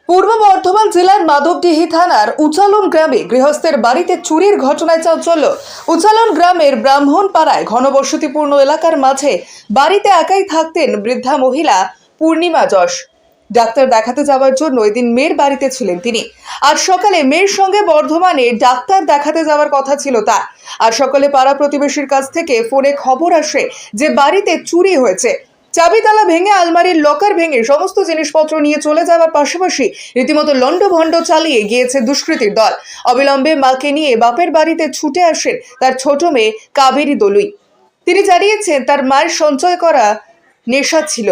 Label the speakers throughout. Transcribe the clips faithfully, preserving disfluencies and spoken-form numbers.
Speaker 1: পূর্ব বর্ধমান জেলার মাধবডিহি থানার উচালন গ্রামে গৃহস্থের বাড়িতে চুরির ঘটনায় চাঞ্চল্য। উচালন গ্রামের ব্রাহ্মণপাড়ায় ঘনবসতিপূর্ণ এলাকার মাঝে বাড়িতে একাই থাকতেন বৃদ্ধা মহিলা পূর্ণিমা যশ। ডাক্তার দেখাতে যাওয়ার জন্য এদিন মেয়ের বাড়িতে ছিলেন তিনি। আজ সকালে মেয়ের সঙ্গে বর্ধমানে ডাক্তার দেখাতে যাওয়ার কথা ছিল তার। আজ সকালে পাড়া প্রতিবেশীর কাছ থেকে ফোনে খবর আসে যে বাড়িতে চুরি হয়েছে। চাবি তালা ভেঙে আলমারির লকার ভেঙে সমস্ত জিনিসপত্র নিয়ে চলে যাওয়ার পাশাপাশি রীতিমতো লন্ডভন্ড চালিয়ে গিয়েছে দুষ্কৃতীর দল। অবিলম্বে মাকে নিয়ে বাপের বাড়িতে ছুটে আসেন তার ছোট মেয়ে কাবেরী দলুই। তিনি জানিয়েছেন তার মায়ের সঞ্চয় করা নেশা ছিল,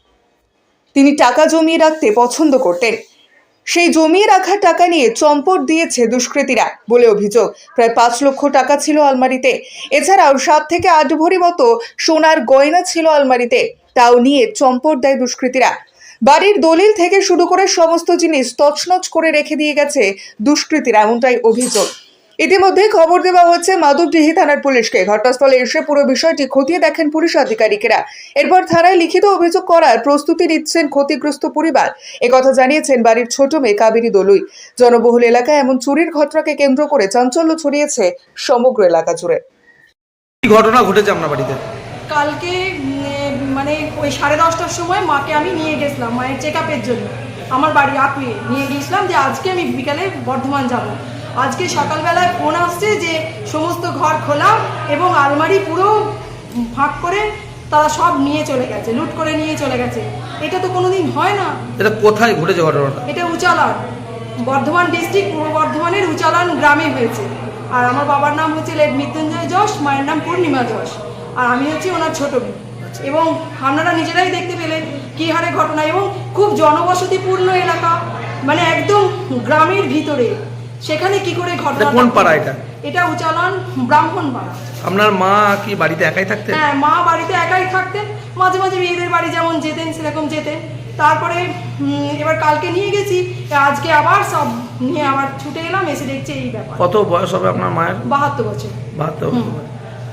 Speaker 1: তিনি টাকা জমিয়ে রাখতে পছন্দ করতেন। সেই জমিয়ে রাখা টাকা নিয়ে চম্পট দিয়েছে দুষ্কৃতীরা বলে অভিযোগ। প্রায় পাঁচ লক্ষ টাকা ছিল আলমারিতে। এছাড়াও সাত থেকে আট ভরি মতো সোনার গয়না ছিল আলমারিতে, তাও নিয়ে চম্পট দেয় দুষ্কৃতীরা। বাড়ির দলিল থেকে শুরু করে সমস্ত জিনিস তছনছ করে রেখে দিয়ে গেছে দুষ্কৃতীরা, এমনটাই অভিযোগ। ইতিমধ্যে খবর দেওয়া হচ্ছে মাধবডিহি থানার পুলিশকে। ঘটনাস্থলে এসে পুরো বিষয়টি খতিয়ে দেখেন পুলিশ আধিকারিকেরা। এরপর থানায় লিখিত অভিযোগ করার প্রস্তুতি নিচ্ছেন ক্ষতিগ্রস্ত পরিবার। একথা জানিয়েছেন বাড়ির ছোট মেয়ে কাবেরী দলুই। জনবহুল এলাকায় এমন চুরির ঘটনাকে কেন্দ্র করে চাঞ্চল্য ছড়িয়েছে সমগ্র এলাকা জুড়ে।
Speaker 2: কি ঘটনা ঘটেছে আপনার বাড়িতে?
Speaker 3: কালকে মানে ওই সাড়ে দশটার সময় মাকে আমি নিয়ে গেছিলাম মায়ের চেক আপের জন্য। আমার বাড়ি আকুয়ে নিয়ে গিয়েছিলাম যে আজকে আমি বিকালে বর্ধমান যাব। আজকে সকালবেলায় ফোন আসছে যে সমস্ত ঘর খোলা এবং আলমারি পুরো ভাগ করে তারা সব নিয়ে চলে গেছে, লুট করে নিয়ে চলে গেছে। এটা তো কোনোদিন হয় না।
Speaker 2: এটা কোথায় ঘটেছে ঘটনাটা?
Speaker 3: এটা উচালন, বর্ধমান ডিস্ট্রিক্ট, পূর্ব বর্ধমানের উচালন গ্রামে হয়েছে। আর আমার বাবার নাম হচ্ছে লেট মৃত্যুঞ্জয় যশ, মায়ের নাম পূর্ণিমা যশ, আর আমি হচ্ছি ওনার ছোট মেয়ে। এবং আপনারা নিজেরাই দেখতে পেলেন কি হারে ঘটনা, এবং খুব জনবসতিপূর্ণ এলাকা, মানে একদম গ্রামের ভিতরে। সেখানে কি করে ঘটনা?
Speaker 2: কোন পাড়া এটা?
Speaker 3: এটা উচালন ব্রাহ্মণপাড়া।
Speaker 2: আপনার মা কি বাড়িতে একাই থাকতেন?
Speaker 3: হ্যাঁ, মা বাড়িতে একাই থাকতেন। মাঝে মাঝে মেয়েদের বাড়ি যেমন যেতেন সেরকম যেতেন। তারপরে এবার কালকে নিয়ে গেছি, আজকে আবার সব নিয়ে আবার ছুটে এলাম, এসে দেখছি এই ব্যাপার।
Speaker 2: কত বয়স হবে আপনার মায়ের?
Speaker 3: বাহাত্তর বছর।
Speaker 2: বাহাত্তর বছর।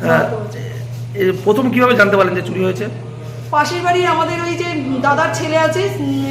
Speaker 2: প্রথম কিভাবে জানতে পারলেন যে চুরি হয়েছে?
Speaker 3: পাশের বাড়ির আমাদের ওই যে দাদার ছেলে আছে,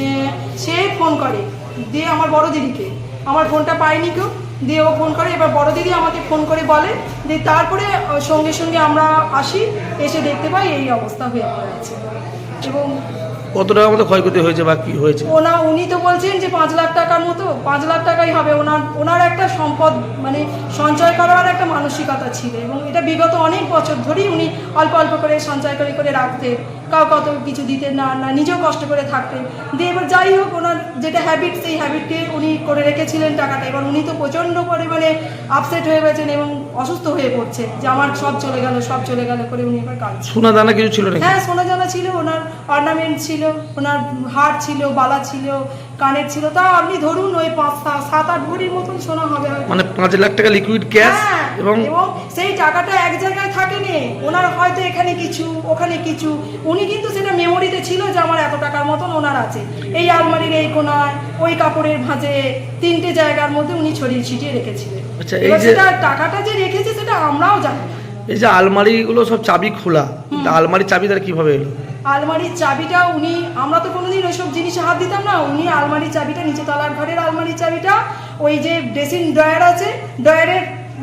Speaker 3: সে ফোন করে দিয়ে আমার বড় দিদিকে। আমার ফোনটা পাইনি কেউ, দিয়ে ও ফোন করে। এবার বড় দিদি আমাকে ফোন করে বলে, দিয়ে তারপরে সঙ্গে সঙ্গে আমরা আসি, এসে দেখতে পাই এই অবস্থা হয়ে পড়েছে। এবং
Speaker 2: কত টাকার মতো ক্ষয়ক্ষতি হয়েছে বা কি হয়েছে?
Speaker 3: ওনা উনি তো বলছেন যে পাঁচ লাখ টাকার মতো, পাঁচ লাখ টাকাই হবে। ওনার ওনার একটা সম্পদ মানে সঞ্চয় করার একটা মানসিকতা ছিল, এবং এটা বিগত অনেক বছর ধরেই উনি অল্প অল্প করে সঞ্চয় করে করে রাখতেন। কাউ কত কিছু দিতেন না, না নিজেও কষ্ট করে থাকতেন। দিয়ে এবার যাই হোক, ওনার যেটা হ্যাবিট, সেই হ্যাবিটকে উনি করে রেখেছিলেন টাকাটা। এবার উনি তো প্রচণ্ড পরিমাণে আপসেট হয়ে গেছেন এবং অসুস্থ হয়ে পড়ছে যে আমার সব চলে গেল, সব চলে গেল করে উনি এবার কাঁদছেন।
Speaker 2: সোনা দানা কিছু ছিল নাকি?
Speaker 3: হ্যাঁ, সোনা দানা ছিল, ওনার অর্নামেন্ট ছিল, ওনার হার ছিল, বালা ছিল, কানের ছিল। তাও আপনি ধরুন ওই পাঁচ সাত আট ভরির মতন সোনা হবে,
Speaker 2: মানে পাঁচ লাখ টাকা লিকুইড ক্যাশ। এবং
Speaker 3: এবং সেই টাকাটা এক জায়গায় থাকেনি, ওনার হয়তো এখানে কিছু ওখানে কিছু। উনি কিন্তু সেটা মেমোরিতে ছিল যে আমার এত টাকার মতন ওনার আছে, এই আলমারির এই কোনায়, ওই কাপড়ের ভাঁজে, তিনটে জায়গার মধ্যে উনি ছড়িয়ে ছিটিয়ে রেখেছিলেন।
Speaker 2: আচ্ছা, এই যে
Speaker 3: সেটা টাকাটা যে রেখেছে সেটা আমরাও জানি।
Speaker 2: এই যে আলমারিগুলো সব চাবি খোলা, আলমারির চাবি তার কিভাবে এলো?
Speaker 3: আলমারির চাবিটা উনি, আমরা তো কোনোদিন ওইসব জিনিসে হাত দিতাম না। উনি আলমারির চাবিটা, নিচে তলার ঘরের আলমারির চাবিটা ওই যে ড্রেসিং ড্রয়ার আছে, ড্রয়ারের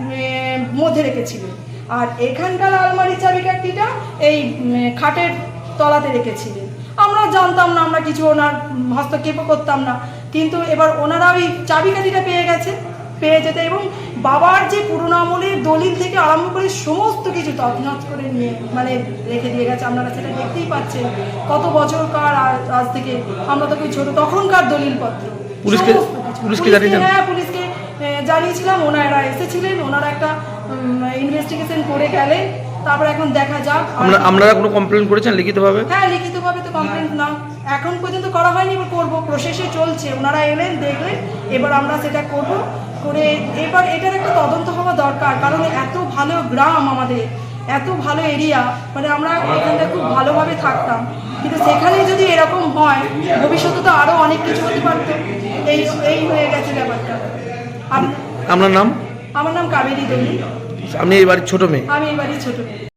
Speaker 3: মধ্যে রেখেছিলেন। আর এখানকার আলমারির চাবিকাঠিটা এই খাটের তলাতে রেখেছিলেন। আমরা জানতাম না, আমরা কিছু ওনার হস্তক্ষেপ করতাম না। কিন্তু এবার ওনারা ওই চাবিকাঠিটা পেয়ে গেছে, পেয়ে যেতে এবং বাবার যে পুরোনো আমলের দলিল থেকে আরম্ভ করে সমস্ত কিছু তছনছ করে নিয়ে মানে রেখে দিয়ে গেছে। আপনারা সেটা দেখতেই পাচ্ছেন, কত বছরকার আজ থেকে, আমরা তো ছোট তখনকার দলিলপত্র।
Speaker 2: পুলিশকে পুলিশকে জানিয়েছেন?
Speaker 3: হ্যাঁ, পুলিশকে জানিয়েছিলাম। ওনারা এসেছিলেন, ওনারা একটা ইনভেস্টিগেশন করে গেলেন। তারপর এখন দেখা যাক।
Speaker 2: আপনারা কোনো কমপ্লেন করেছেন লিখিতভাবে?
Speaker 3: হ্যাঁ, লিখিতভাবে তো কমপ্লেন না এখন পর্যন্ত করা হয়নি, এবার করবো, প্রসেসে চলছে। ওনারা এলেন, দেখলেন, এবার আমরা সেটা করব করে এবার এটার একটা তদন্ত হওয়া দরকার। কারণ এত ভালো গ্রাম আমাদের, এত ভালো এরিয়া, মানে আমরা এখানটা খুব ভালোভাবে থাকতাম। কিন্তু সেখানে যদি এরকম হয়, ভবিষ্যতে তো আরও অনেক কিছু হতে পারত। এই এই হয়ে গেছে ব্যাপারটা।
Speaker 2: আপনার নাম?
Speaker 3: আমার নাম কাবেরী দলুই।
Speaker 2: আপনি এই বাড়ির ছোট মেয়ে?
Speaker 3: আমি এই বাড়ির ছোট মেয়ে।